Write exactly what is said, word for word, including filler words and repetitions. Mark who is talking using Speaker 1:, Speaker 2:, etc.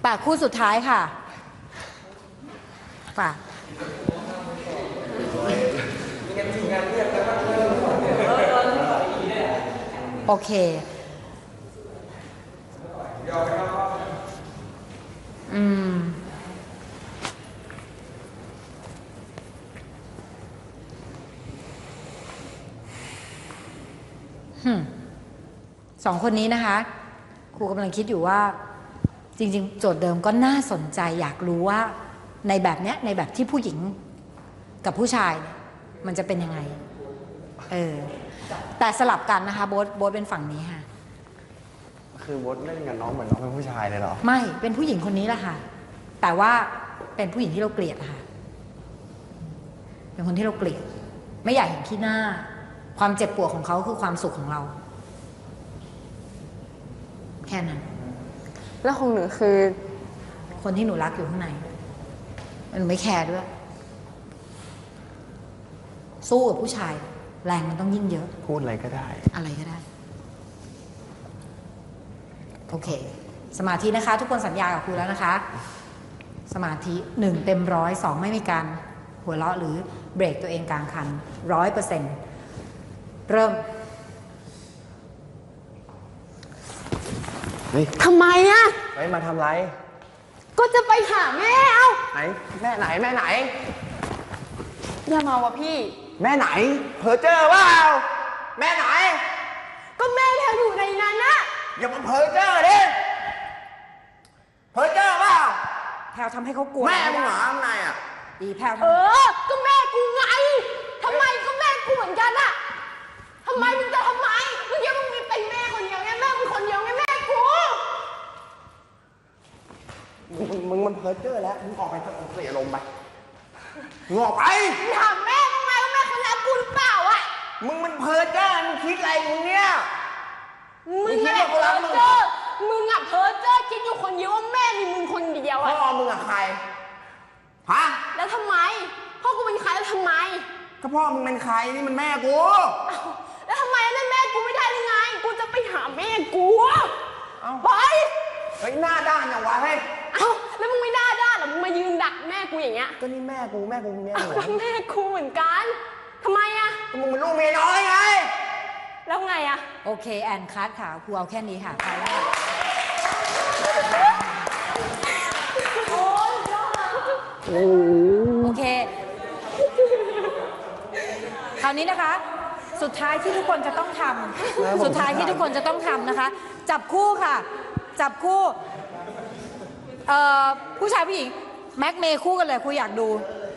Speaker 1: ปากคู่สุดท้ายค่ะปากโอเคอืมสองคนนี้นะคะครูกำลังคิดอยู่ว่าจริงๆโจทย์เดิมก็น่าสนใจอยากรู้ว่าในแบบเนี้ยในแบบที่ผู้หญิงกับผู้ชายเนี่ยมันจะเป็นยังไงเออแต่สลับกันนะคะโบ๊ทโบ๊ทเป็นฝั่งนี้ค่ะ
Speaker 2: คือโบ๊ทเล่นกับน้องเหมือนน้องเป็นผู้ชายเลยเหรอ
Speaker 1: ไม่เป็นผู้หญิงคนนี้แหละค่ะแต่ว่าเป็นผู้หญิงที่เราเกลียดค่ะเป็นคนที่เราเกลียดไม่อยากเห็นขี้หน้าความเจ็บปวดของเขาคือความสุขของเราแค่นั้น
Speaker 3: แล้วของหนูคือ
Speaker 1: คนที่หนูรักอยู่ข้างในหนูไม่แคร์ด้วยสู้กับผู้ชายแรงมันต้องยิ่งเยอะ
Speaker 2: พูดอะไรก็ได้
Speaker 1: อะไรก็ได้โอเคสมาธินะคะทุกคนสัญญากับครูแล้วนะคะสมาธิหนึ่งเต็มร้อยสองไม่มีการหัวเราะหรือเบรกตัวเองกลางคันร้อยเปอร์เซ็นต์เริ่ม
Speaker 3: ทำไมอะ
Speaker 2: ไปมาทำไร
Speaker 3: ก็จะไปหาแม่เอ้า
Speaker 2: ไหนแม่ไหนแม่ไหน
Speaker 3: อย่ามาวะพี่
Speaker 2: แม่ไหนเพอเจอเปล่าแม่ไหน
Speaker 3: ก็แม่แพลอยู่ในนั้นนะ
Speaker 2: อย่ามาเพอเจอดิเพอเจอเปล่า
Speaker 1: แพลทำให้เขากลัว
Speaker 2: แม่มึงเหรอข้างในอ่ะ
Speaker 1: ดีแพล
Speaker 3: เออก็แม่กูไงทำไมก็แม่กูเหมือนกันอะทำไมมึงจะทำไมมึงคิดว่ามึงมีเป็นแม่คนเดียวไงแม่มึงคนเดียวไงแม่กู
Speaker 2: มึงมันเพอเจอแล้วมึงออกไปเสียลมไปมึงออกไป
Speaker 3: ถามแม่มึงไงว่าแม่คนรักกูหรือเปล่าอะ
Speaker 2: มึงมันเพอเจอมึงคิดอะไรมึงเนี่ย
Speaker 3: มึงคิดว่าเพอเจอมึงอะเพอเจอคิดอยู่คนเดียวว่าแม่มีมึงคนเดียวอะ
Speaker 2: พ่อมึงอะใครฮะ
Speaker 3: แล้วทำไมพ่อกูเป็นใครแล้วทำไม
Speaker 2: ก็พ่อมึงเป็นใครนี่มันแม่กู
Speaker 3: แล้วทำไมนั่นแม่กูไม่ได้ยังไงกูจะไปหาแม่กูไป
Speaker 2: เฮ้ยหน้าด้านอย่างวะเฮ้ย
Speaker 3: เอ้าแล้วมึงไม่หน้าด้านหรอมึงมายืนดักแม่กูอย่างเงี้ย
Speaker 2: ก็นี่แม่กูแม่กูเมียหนู
Speaker 3: แม่กูเหมือนกันทำไมอะ
Speaker 2: ก็มึงเป็นลูกเมียน้อยไง
Speaker 3: แล้วไงอะ
Speaker 1: โอเคแอนคัทค่ะครูเอาแค่นี้ค่ะไปแล้วค่ะโอเคคราวนี้นะคะสุดท้ายที่ทุกคนจะต้องทำสุดท้ายที่ทุกคนจะต้องทำนะคะจับคู่ค่ะจับคู่เอ่อผู้ชายผู้หญิงแม็กเมย์คู่กันเลยครูอยากดู